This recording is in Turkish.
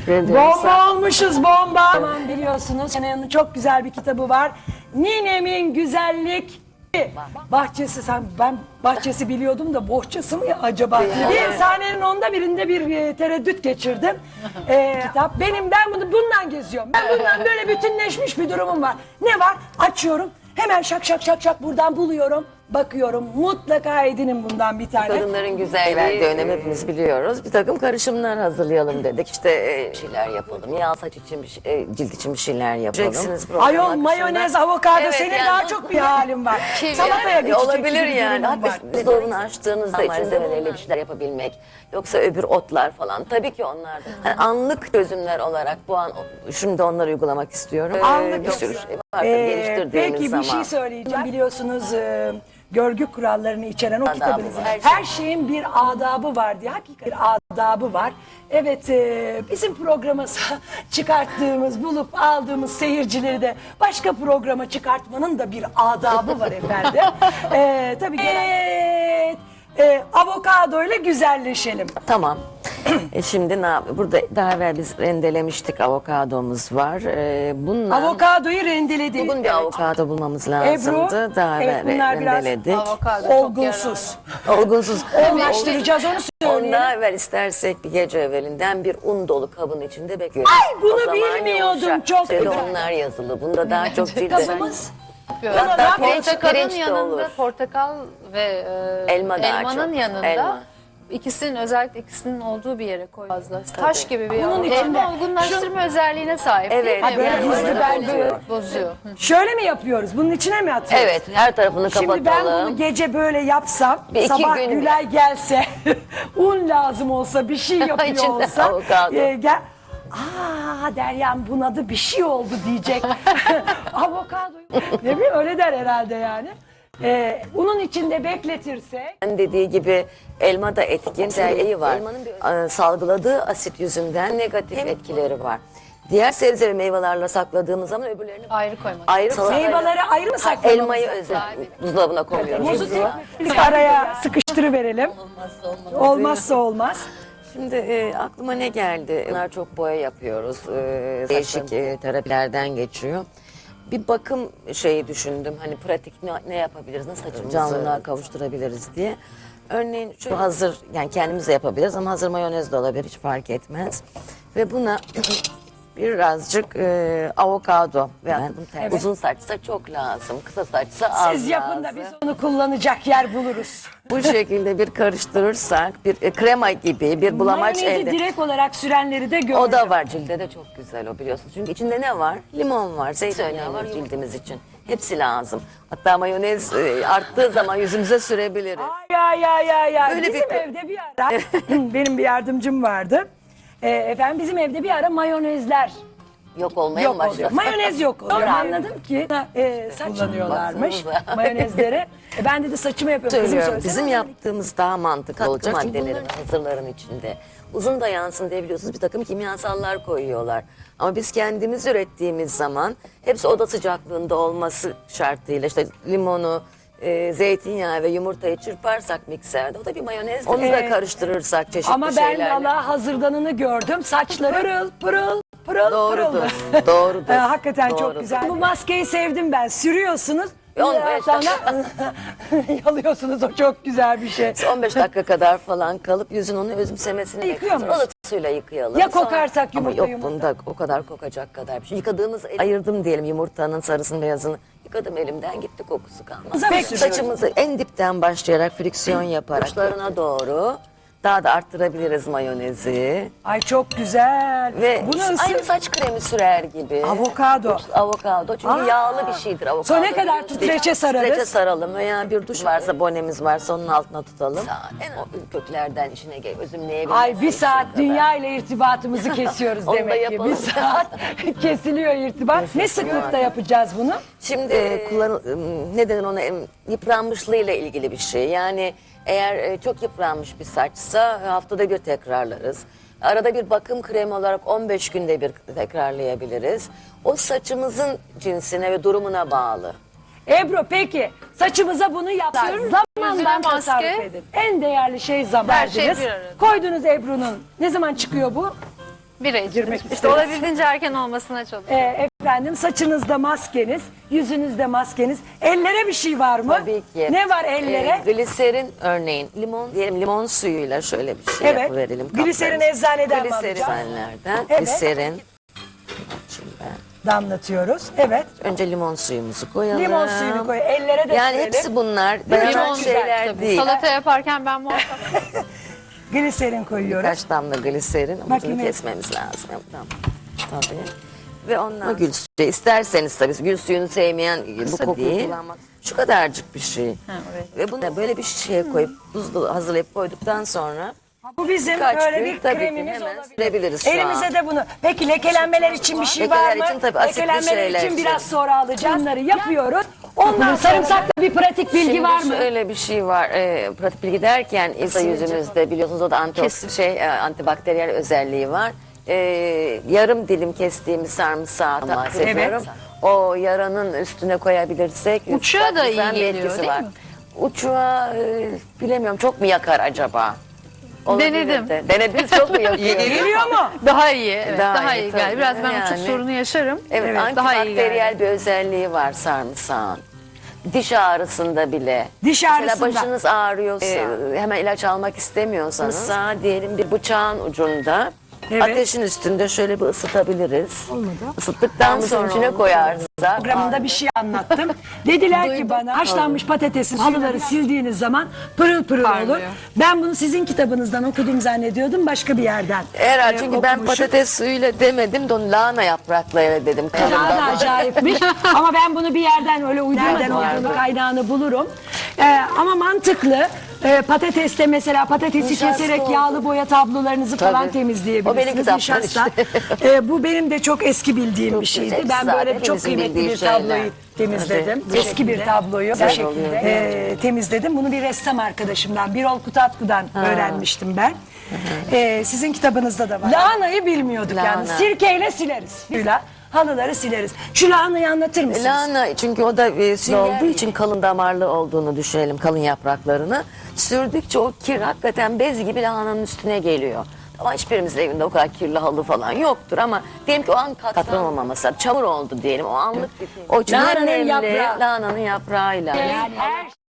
Bomba olmuşuz, bomba. Aman biliyorsunuz Şenay'ın çok güzel bir kitabı var. Ninemin Güzellik Bahçesi. Ben bahçesi biliyordum da bohçası mı ya acaba? Bir sahnenin onda birinde bir tereddüt geçirdim. Kitap. Ben bundan geziyorum. Ben bundan böyle bütünleşmiş bir durumum var. Ne var? Açıyorum. Hemen şak şak şak şak buradan buluyorum. Bakıyorum, mutlaka edinin bundan bir tane. Kadınların güzelliği dönemi hepimiz biliyoruz. Bir takım karışımlar hazırlayalım dedik. İşte şeyler yapalım. Yağ saç için cilt için bir şeyler yapalım. Ayol, mayonez, avokado, evet, senin yani daha çok bir halin var. Salataya geçecek olabilir yani. Var. Buzdolabını açtığınızda malzemelerle bir şeyler yapabilmek. Yoksa öbür otlar falan. Tabii ki onlar da. Yani anlık çözümler olarak bu an şimdi onları uygulamak istiyorum. Anlık bir sürü şey var geliştirdiğimiz peki, zaman. bir şey söyleyeceğim. Biliyorsunuz görgü kurallarını içeren o kitabınızın her şeyin bir adabı var diye. Hakikaten bir adabı var. Evet, bizim programa bulup aldığımız seyircileri de başka programa çıkartmanın da bir adabı var efendim. Tabii avokado ile güzelleşelim. Tamam. Şimdi burada daha evvel biz rendelemiştik, avokadomuz var. Avokadoyu rendeledik. Bugün bir avokado bulmamız lazımdı. Ebru, Daha evvel rendeledik. Olgunsuz. Olgunsuz. Olgunlaştıracağız, onu söyleyelim. Ondan evvel istersek bir gece evvelinden bir un dolu kabın içinde bekliyoruz. Ay, bunu bilmiyordum, çok güzel. güzel. Onlar yazılı. Bunda daha çok cilt. Kabımız. Hatta Portakalın pirinç de yanında, olur. portakal ve çok. elmanın yanında Elma. özellikle ikisinin olduğu bir yere koy fazla. Taş gibi bir Bunun elma. içinde- Olgunlaştırma özelliğine sahip Evet. değil mi? Ha, böyle Yani hızlı ben böyle- bozuyor. Şöyle mi yapıyoruz? Bunun içine mi atıyoruz? Evet, her tarafını kapatalım. Şimdi ben bunu gece böyle yapsam, Bir iki sabah gün- Gülay gelse, un lazım olsa, bir şey yapıyor İçinde olsa, avokado. Derya'm bunadı, bir şey oldu diyecek. Avokado. Ne bileyim, öyle der herhalde yani. Unun içinde bekletirsek. Dediği gibi elma da etkin özelliği var. Elmanın salgıladığı asit yüzünden negatif etkileri var. Diğer sebze ve meyvelerle sakladığımız zaman öbürlerini Ayrı koymak. ayrı Meyveleri ayrı mı saklamamız? elmayı özel buzdolabına koyuyoruz. Muzu tek araya sıkıştırıverelim. Olmazsa olmaz. Şimdi aklıma ne geldi? Bunlar çok boya yapıyoruz. Değişik terapilerden geçiyor. Bir bakım şeyi düşündüm. Hani pratik ne yapabiliriz? Nasıl saçımızı canlılığa kavuşturabiliriz diye. Örneğin şu hazır, yani kendimiz de yapabiliriz ama hazır mayonez de olabilir, hiç fark etmez. Ve buna birazcık avokado veya uzun saçsa çok lazım, kısa saçsa az Siz yapın da lazım. biz onu kullanacak yer buluruz. Bu şekilde bir karıştırırsak bir krema gibi bir bulamaç Mayonezi elde. direkt olarak sürenleri de gördüm. O da var, cilde de çok güzel o, biliyorsunuz. Çünkü içinde ne var? Limon var, zeytinyağı var cildimiz için. Hepsi lazım. Hatta mayonez arttığı zaman yüzümüze sürebiliriz. Ay. Öyle Bizim bir- evde bir ara benim bir yardımcım vardı. Efendim bizim evde bir ara mayonezler Yok olmaya mı yok oluyor. başladı? Mayonez yok oluyor. Sonra anladım ki saç kullanıyorlarmış Baksanıza. mayonezleri. Ben dedi saçımı yapıyorum. Kızım Söylüyorum. söylesene. Bizim yaptığımız daha mantıklı olacak. Maddelerin, hazırların içinde. Uzun da yansın diye biliyorsunuz bir takım kimyasallar koyuyorlar. Ama biz kendimiz ürettiğimiz zaman hepsi oda sıcaklığında olması şartıyla işte limonu, zeytinyağı ve yumurtayı çırparsak mikserde, o da bir mayonez. Onu da karıştırırsak çeşitli Ama ben şeylerle. valla hazırdanını gördüm. Saçları pırıl pırıl Doğrudur. pırıl. Doğrudur. Hakikaten çok Doğrudur. güzel. Bu maskeyi sevdim ben. Sürüyorsunuz. 15 Sonra yalıyorsunuz, o çok güzel bir şey. 15 dakika kadar falan kalıp yüzün onu özümsemesini Yıkıyor bekliyoruz. muyuz? Ilık suyla yıkayalım. Ya kokarsak Ama yumurta, yok bunda o kadar kokacak kadar bir şey. Yıkadığımız ayırdım diyelim yumurtanın sarısını beyazını. Yıkadım elimden, gitti, kokusu kalmaz. Peki, Saçımızı en dipten başlayarak friksiyon yaparak uçlarına doğru daha da arttırabiliriz mayonezi. Ay çok güzel. Ve Bunu aynı saç kremi sürer gibi. Avokado. Avokado çünkü yağlı bir şeydir avokado. Sonra ne kadar biliyorsunuz. streçe sararız? Streçe saralım veya bir duş varsa, bonemiz varsa onun altına tutalım. O köklerden içine özümleyebiliriz. Ay bir saat dünya ile irtibatımızı kesiyoruz Onu da demek ki. yapalım. Bir saat kesiliyor irtibat. Ne sıklıkta yapacağız bunu? Şimdi ne denir ona, yıpranmışlığıyla ilgili bir şey. Yani eğer çok yıpranmış bir saçsa haftada bir tekrarlarız. Arada bir bakım kremi olarak 15 günde bir tekrarlayabiliriz. O saçımızın cinsine ve durumuna bağlı. Ebru peki saçımıza bunu yapıyoruz. Zamandan Yüzüne maske. tasarruf edin. En değerli şey zaman. Her şey Verdiniz. bir arada. Koydunuz Ebru'nun. Ne zaman çıkıyor bu? Bira için. Girmek İşte isteriz. olabildiğince erken olmasına çalışıyorum. Efendim saçınızda maskeniz, yüzünüzde maskeniz. Ellere bir şey var mı? Tabii ki. Ne var ellere? Gliserin örneğin limon diyelim limon suyuyla şöyle bir şey Evet. yapıverelim. Gliserin kaplarımıza. eczaneden mi Gliserin alacağız? eczaneden. Evet. Gliserin. Şimdi Damlatıyoruz. Evet. önce limon suyumuzu koyalım. Limon suyunu koy. Ellere de Yani sürelim. hepsi bunlar mi? dayanan Çok şeyler Tabii. değil. Salata yaparken ben muhakkak Gliserin koyuyoruz. Birkaç damla gliserin Bakayım. ucunu kesmemiz lazım. Tamam. Tabii. Ve ondan gül suyu isterseniz tabii gül suyunu sevmeyen bu kokuyu değil. Şu kadarcık bir şey. Ve bunu böyle bir şişeye koyup buzlu hazırlayıp koyduktan sonra Bu bizim Kaç böyle gün? bir Tabii ki kremimiz hemen olabilir. sürebiliriz şu Elimize an. de bunu. Peki lekelenmeler için bir şey var Lekeler mı? için tabii asitli Lekelenmeler şeyler için için. biraz sonra alacağız. Bunları yapıyoruz. Ondan sarımsaklı bir pratik bilgi Şimdi var mı? şöyle bir şey var. Pratik bilgi derken insa yüzümüzde biliyorsunuz o da antibakteriyel özelliği var. Yarım dilim kestiğimiz sarımsağı bahsediyorum. O yaranın üstüne koyabilirsek Uçuğa da iyi güzel bir geliyor, etkisi değil var. mi? Uçuğa bilemiyorum çok mu yakar acaba? Olabilir Denedim. de. Denediniz çok mu yakıyor? Geliyor mu? daha iyi. Evet, Daha daha, iyi, iyi geldi. tabii. Biraz ben Yani. uçuk sorunu yaşarım. Evet, daha iyi antibakteriyel geldi. bir özelliği var sarımsağın. Diş ağrısında bile. Diş Mesela ağrısında. başınız ağrıyorsa, hemen ilaç almak istemiyorsanız, sağ diyelim bir bıçağın ucunda, Evet. ateşin üstünde şöyle bir ısıtabiliriz. Olmadı. Isıttıktan sonra içine koyarsak. Programında bir şey anlattım. Dediler ki bana haşlanmış patatesin halıları sildiğiniz zaman pırıl pırıl olur. Parlıyor. Ben bunu sizin kitabınızdan okudum zannediyordum başka bir yerden. Herhalde çünkü ben okumuşum. patates suyuyla demedim de onu lahana yapraklarıyla dedim. Daha da acayipmiş. Ama ben bunu bir yerden öyle uydurmadan olduğunu kaynağını bulurum. Ama mantıklı. Patateste mesela patatesi Nişasta keserek oldu. yağlı boya tablolarınızı falan Tabii. temizleyebilirsiniz. O benim kitaptan Nişasta. işte. Bu benim de çok eski bildiğim Çok bir şeydi. güzel. Ben Zaten böyle çok hepimizin kıymetli bildiği bir şeyler. tabloyu temizledim. Evet. Eski bir tabloyu bu Güzel şekilde temizledim. Bunu bir ressam arkadaşımdan, Birol Kutatku'dan öğrenmiştim ben. Sizin kitabınızda da var. Lahanayı bilmiyorduk yani. Lahana. Sirkeyle sileriz. Suyla halıları sileriz. Şu lahanayı anlatır mısınız? Lahana çünkü o da sünger olduğu için kalın damarlı olduğunu düşünelim kalın yapraklarını. Sürdükçe o kir hakikaten bez gibi lahananın üstüne geliyor. Ama hiçbirimizin evinde o kadar kirli halı falan yoktur ama diyelim ki o an katlanamaması, çamur oldu diyelim o anlık. O için Lahananın en önemli yaprağı. lahananın yaprağıyla. Yani her